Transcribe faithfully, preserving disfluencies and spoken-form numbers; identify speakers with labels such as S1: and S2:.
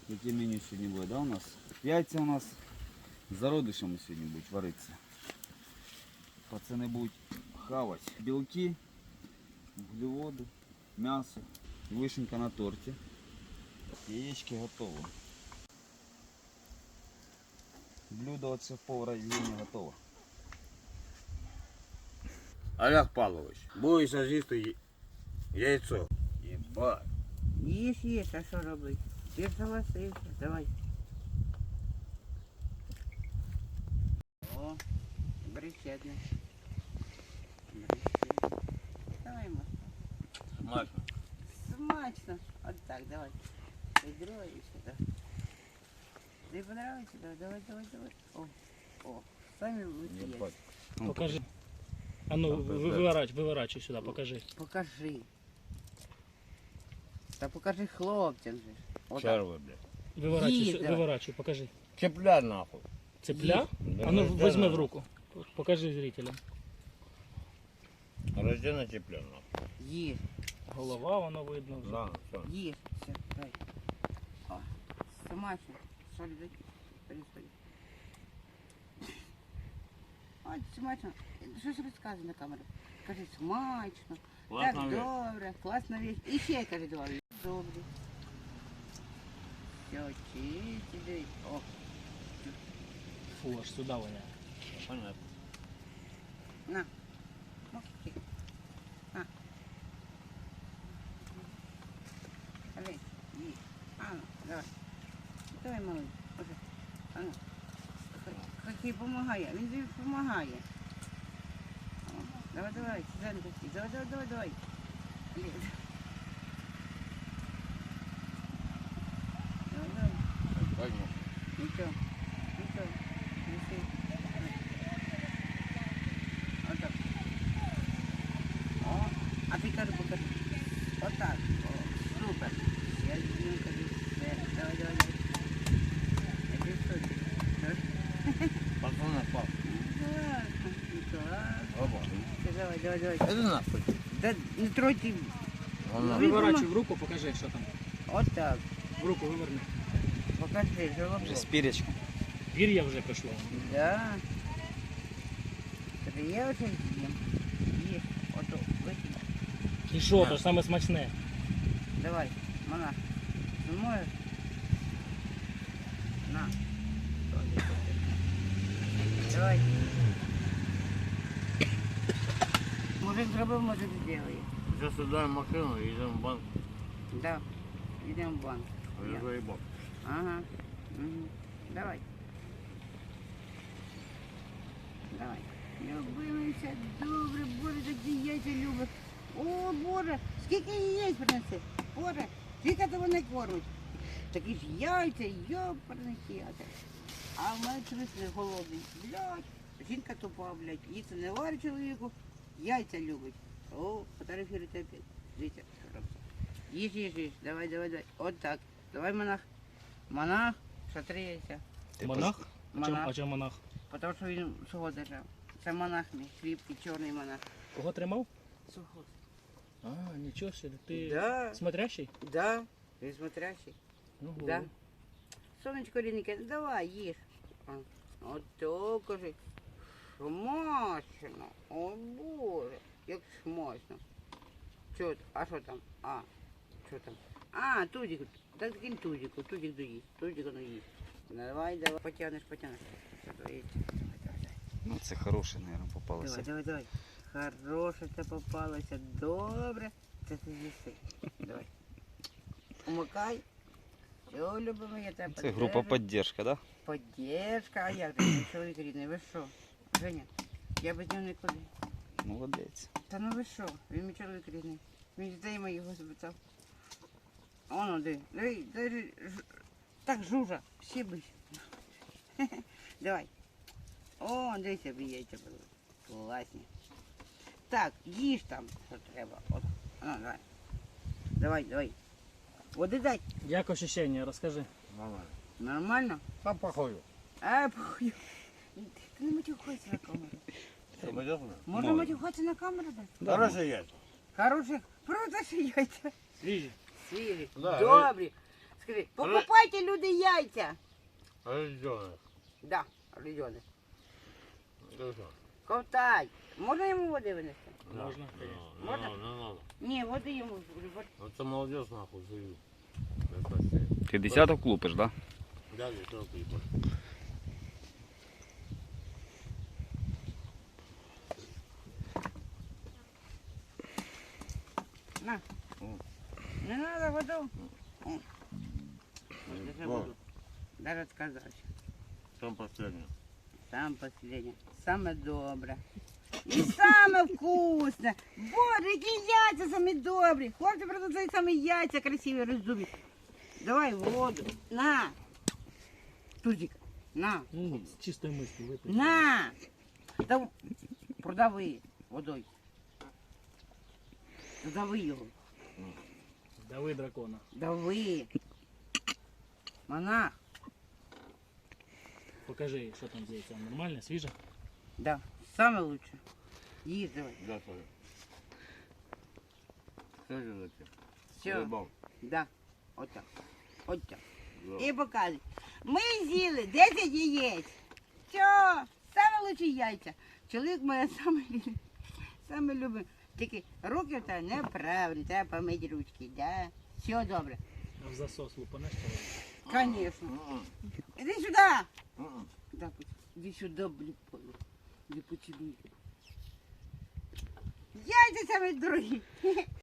S1: Яке меню сьогодні буде, да, у нас? Яйця у нас з зародишами сьогодні будуть варитися. Пацани будуть хавати білки, вуглеводи, м'ясо, вишенька на торті. Яєчки готові. Блюдо от шеф-повара Євгенія готово.
S2: Олег Павлович, будеш з'їсти яйцо. Єбать.
S3: Їж, їж, а що робити? Ти ж согласився, давай. О, бричетне. Давай, Маша.
S2: Смачно.
S3: Смачно. Вот так, давай. Ведро и сюда. Тебе понравится? Давай, давай, давай, давай. О, о, сами будете
S2: Єбать.
S3: есть.
S4: Покажи. А ну, вы- выворачивай, выворачивай сюда, покажи.
S3: Покажи. Да покажи хлопцям же. Вот так.
S2: Черви, блядь.
S4: Выворачивай,
S3: Есть,
S4: сю-
S3: давай.
S4: выворачивай, покажи.
S2: Цепля нахуй.
S4: Цепля?
S2: Да
S4: А ну,
S2: рождена.
S4: возьми в руку. Покажи зрителям.
S2: Рождена цепля нахуй.
S3: Есть,
S4: Голова, воно видно вже.
S2: На, все.
S3: есть. Все, давай. О, смачно. Соль дай. Происходит. Ой, смачно. Щось розказуй на камеру. Кажи, смачно.
S2: Класна
S3: Так,
S2: вещь.
S3: добре, класна вещь. І ще кажи, давай. Добре. Все, чисті, дивись. О,
S4: Фу, аж сюди воняє.
S2: Понятно.
S3: на. О, тихо. На. Кажи, їй. А ну, давай. Давай, малий. Уже. А ну. Хокей помагає. Він тобі допомагає. Давай, давай, Сюзанна, хокей. Давай, давай, давай, давай. Ліз. Давай, давай.
S2: Возьму.
S3: Ничего, ничего, неси. Вот так. О, а ты кажи, покажи. Вот так. О, супер. Я люблю, кажи. Давай, давай, давай. Это что?
S2: Пацаны, пап. Оба.
S3: Давай, давай, давай.
S2: Это нахуй.
S3: Да не тройте.
S2: Он нахуй.
S4: Виворачуй в руку, покажи, що там.
S3: Вот так.
S4: В руку виверни.
S3: Покажи, желобок.
S1: З пірячком.
S4: Пір'я вже пішло.
S3: Да. Это я уже съем. Есть. Вот, выкинь.
S4: І що, то ж саме смачне.
S3: Давай, монах. Зимою. На. Давай. Мужик зробив, мужик зробив.
S2: Сейчас сюда машину и идем в банк.
S3: Да. Йдемо в банк.
S2: Я заебал.
S3: Ага. Угу. Давай. Давай. Любимися, добре, Боже, такі яйця любить. О, Боже, скільки яєць принеси. Боже, скільки того не кормить. Такі ж яйця, йопарних яйця. А в мене чомусь не голодний. Блядь, жінка тупа, блядь, їсти не варить чоловіку, яйця любить. О, фотографируйте опять. Дивіться, що робиться. Їж, їж, їж, давай, давай, давай. От так. Давай, монах. Монах, що три яйця.
S4: Монах? А чому,
S3: Монах.
S4: а чому монах?
S3: Тому що він сухо держав. Це монах мій, кріпкий, чорний монах.
S4: Кого тримав?
S3: Сухо.
S4: А, нічого собі. Ти
S3: Да,
S4: смотрящий?
S3: да, він смотрящий.
S4: Ну,
S3: Да. Сонечко рідненьке, давай, їж. А, От то, кажи. Смачно. О, Боже, як смачно. Що, а що там? А, що там? А, тузик. Так кинь тузику, тузик доїсть. Тузик воно їсть. Давай, давай, потягнеш, потягнеш. Що то є? Давай, давай, давай.
S1: Ну це хороше, мабуть, попалося.
S3: Давай, давай, давай. Хороше це попалося. Добре. Це ти з'їси. Давай. Умикай. Все, любимо, я тебе
S1: Це група підтримки, да?
S3: Поддержка. А як же, чоловік рідний, ви що? Женя, я без нього нікуди.
S1: Молодець.
S3: Та ну ви що? Він мій чоловік рідний. Він дітей моїх запитав. Оно, диви, диви, диви, ж- так жужа, всі бись. Давай. О, дивися, мені яйця були. Класні. Так, їж там, що треба. От. Ну, давай. Давай, давай. Води дай.
S4: Як ощущення, розкажи.
S2: Нормально.
S3: Нормально?
S2: По походу.
S3: А, похуй. Ти не матюхайся на камеру.
S2: Что, пойдешь?
S3: Можна матюхатися на камеру дати?
S2: Хороший яйца.
S3: Хороших, просто що яйця.
S4: Свіжі.
S3: Свіжі,
S2: Да,
S3: добрі, з Скажи, покупайте люди яйця.
S2: Рожденный.
S3: Да, райони.
S2: Ну что?
S3: Ковтай. Можна йому води винести?
S4: Можно,
S2: Не
S4: конечно.
S2: надо, не
S3: Можно?
S2: надо, не надо.
S3: Ні, води йому.
S2: Это молодежь нахуй живет. Это все.
S1: Ти десяток лупиш, да?
S2: Да, не только ебать.
S3: На.
S2: М.
S3: Не треба воду. М. Держи
S2: Вот.
S3: воду. Дай розказати.
S2: Там последнее.
S3: Саме последнє. Саме добре. І саме вкусне. Боже, які яйця самі добрі. Хлопці продадуть самі яйця красиві, роздубі. Давай воду. На. Тузик. На.
S4: Ну, с чистой мыслью выпить.
S3: На. Да, продави водою. Дави його.
S4: Дави дракона.
S3: Дави. Монах.
S4: Покажи, что там здесь. Там нормально, свежо?
S3: Да. Саме лучше. Їж давай.
S2: Да, смотри. Что же за тебе?
S3: Все.
S2: Заебал.
S3: Да. Отак. Отак.
S2: Да.
S3: І показуй. Ми з'їли десять яєць. Все, саме лучші яйця. Чоловік моє саме, любить- саме любить. Тільки руки та неправильні, треба помити ручки, да? Все добре.
S4: А в засос лупанешь человека?
S3: Конечно.
S2: М-м.
S3: Іди сюди.
S2: М-м.
S3: Да, іди сюди, блін, іди поцілуй. Яйця самі дорогі.